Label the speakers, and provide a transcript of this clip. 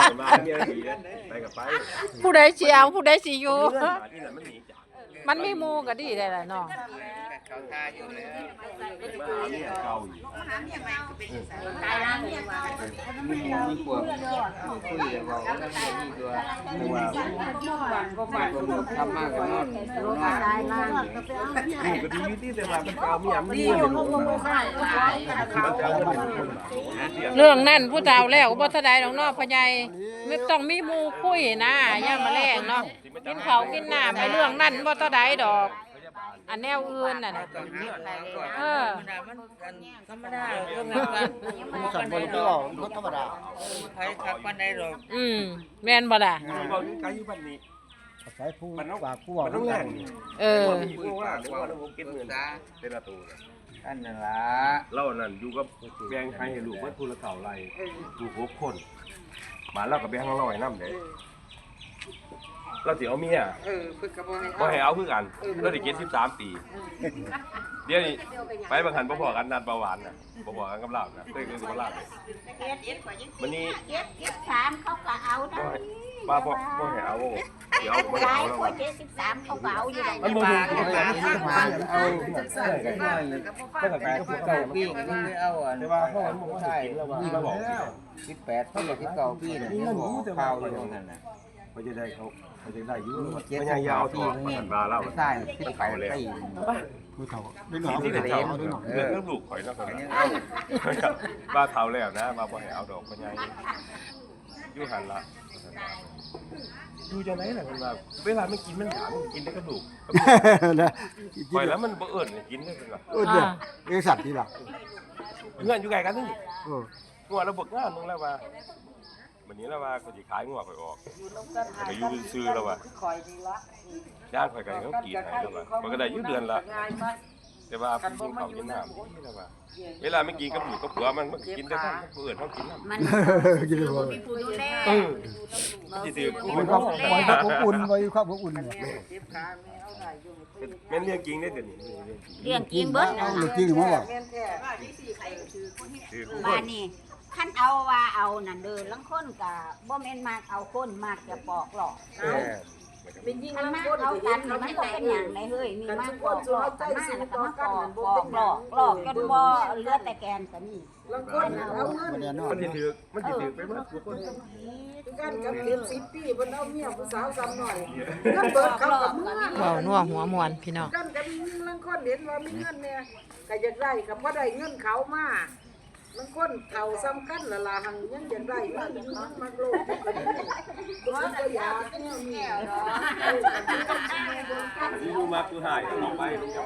Speaker 1: มาเมียดีไปกับไป
Speaker 2: ผู้ใดสิเอาผู้ใดสิอยู่
Speaker 1: ที่นั่นมันหนีจาก
Speaker 2: มันมีหมู่ก็ดีได้ล่ะน้อง
Speaker 3: เขาทาอยู่แล้ว
Speaker 1: มาหาเนี่ยเก่าอยู่
Speaker 3: มีพวกคุยจะบอกว่ามีตัวตัวทำมากกันนอน
Speaker 1: นี่ก็ดีที่แต่ว่ามันเก่ามีอ่ะมีอยู่มันเก่ามัน
Speaker 2: เรื่องนั้นผู้เฒ่าแล้วบ่ทันใดดอกเนาะพ่อใหญ่ไม่ต้องมีหมู่คุยนะย่ามมาแลงเนาะกินข้าวกินน้ำไปเรื่องนั้นบ่ทันใดดอก อันแนวอื่นน่ะนะเออ
Speaker 3: ธรรมดาเรื่องนั้น
Speaker 4: สั่นบนก็หล่อรถธรรมดา
Speaker 3: ใครขับปันใดหรอก
Speaker 2: แม่นบ่ล่ะ
Speaker 1: เราอยู่ไกลอยู่บ้านนี้
Speaker 4: ใช้ผู้
Speaker 1: มันต้อง
Speaker 4: ฝากผู้
Speaker 1: มันต้องแรงนี่
Speaker 2: เออ
Speaker 1: ผู้ว่าหรือว่าเราเก็บเงินเป็นประตู
Speaker 3: อันนั้นละ
Speaker 1: เรานั่นอยู่กับแบงค์ให้ลูกเพิ่นผู้ละเท่าไรลูก6คนบ้านเราก็แบงค์ของเราให้นำเด้เราสิเอาเมีย
Speaker 3: เพิ่งกระบอก
Speaker 1: บ่ให้เอาคือกันเราได้73 ปีเดี๋ยวนี้ไปบางหันบ่พอกันนัดเบาหวานน่ะบ่พอกันกับเราน่ะเคยคือบ่ลาเลยวันนี้
Speaker 5: 73เขาก็เอาได้
Speaker 1: ป้าบ่ให้เอาเดี๋ยวบ่
Speaker 5: หลา
Speaker 1: เอา
Speaker 5: ย
Speaker 1: แล้ว
Speaker 5: คน73เขาก็เอาอยู่ได้
Speaker 1: มันบ่ถูกที่ไหน
Speaker 3: เอาก็แบบเก่าปีก็ไม่เอาอ่ะ
Speaker 1: แต่ว่าเขาบ่ให้กินแล้วว่ามาบอก
Speaker 3: 18ปีที่เก่าปีน่ะนี่บอกข่าวอยู่นั่นน่ะ
Speaker 1: เขาจะได้เขาจะได้อยู่มันยังยาวที่มันบาเล่า
Speaker 3: ใช่ที่ไปแล้ว
Speaker 4: ผู้เฒ่าเป็นหนอง
Speaker 1: ที่
Speaker 4: เป็น
Speaker 1: เด็ก
Speaker 4: เฒ่า
Speaker 1: เรื่องเรื่องลูกข่อยนะคนบ้าเฒ่าแล้วนะมาบ่ให้เอาดอกมันยังอยู่หันละอยู่จังไหนล่ะเพิ่นว่าเวลามันกินมันถามกินได้กระดูก
Speaker 4: นะ
Speaker 1: ปล่อยแล้วมันบ่เอิ้นกินได้เพิ่นว่า
Speaker 4: เนี่ยสัตว์ที่หลัก
Speaker 1: เงื่อนอยู่ไกลกันนี่
Speaker 4: เออ
Speaker 1: งัวระบบงานนึงแล้วว่าวันนี้แล้วว่าก็สิขายงัวข่อยออกก็อยู่ซื่อแล้วว่าย่างข่อยก็เขากินให้แล้วว่ามันก็ได้อยู่เดือนละแต่ว่ากินข้าวกินน้ำนี่แล้วว่าเวลาไม่กินกับหมูกับผัวมันกินแต่ท่านเปิดเขากินน้ำ
Speaker 5: มัน
Speaker 4: กินเลยบ่
Speaker 5: มีผู้ดูแล
Speaker 1: มันสิถือกู
Speaker 4: มั
Speaker 1: มัน น
Speaker 4: ก็
Speaker 1: ก็
Speaker 4: ไว้ครอบอุ่นไว้ครอบอุ่นเนี่ย
Speaker 1: แม่นเรื่องจริงได้อเดี๋ยวนี้
Speaker 5: เรื่องกินเบิด
Speaker 4: เอา
Speaker 5: นะ
Speaker 4: หรือจริงหรือว่า
Speaker 1: คือกู
Speaker 5: บ้านนี้คันเอาว่าเอานั่นเด้อลังคนก็บ่แม่นมากเอาคนมากจะปอกหรอก
Speaker 6: เป็นยิ่ง
Speaker 5: คัน
Speaker 6: ลัง
Speaker 5: มา
Speaker 6: คน
Speaker 5: เอา
Speaker 6: กั
Speaker 5: กัน นมันก็เป็นหยังได้เฮ้ยมีมากปอกหลอกกันมาแล้วก็มาปอกปอกหลอกจนบ่เหลือแต่แกนก็มี
Speaker 6: ลังคนเอาเงิน
Speaker 4: มันเนี่ยนอน
Speaker 1: มันสิถือไปหมดทุกคน
Speaker 6: กันกับเก็บ10 ปีเพิ่นเอาเมียผู้สาวซ้ำหน่อยเงินเบิดเขากับเมื่อ
Speaker 2: เว้านัวหัวมวนพี่น้อง
Speaker 6: กันกับยิ่งลังคนเห็นว่ามีเงินเนี่ยก็อยากได้ก็บ่ได้เงินเขามาลังคนเขาซ้ำกันละล่ะหังยังอยากได้มันมักโลกก็ดีก็อยากเนี่ยมี
Speaker 1: อยู่มากูหายออกไป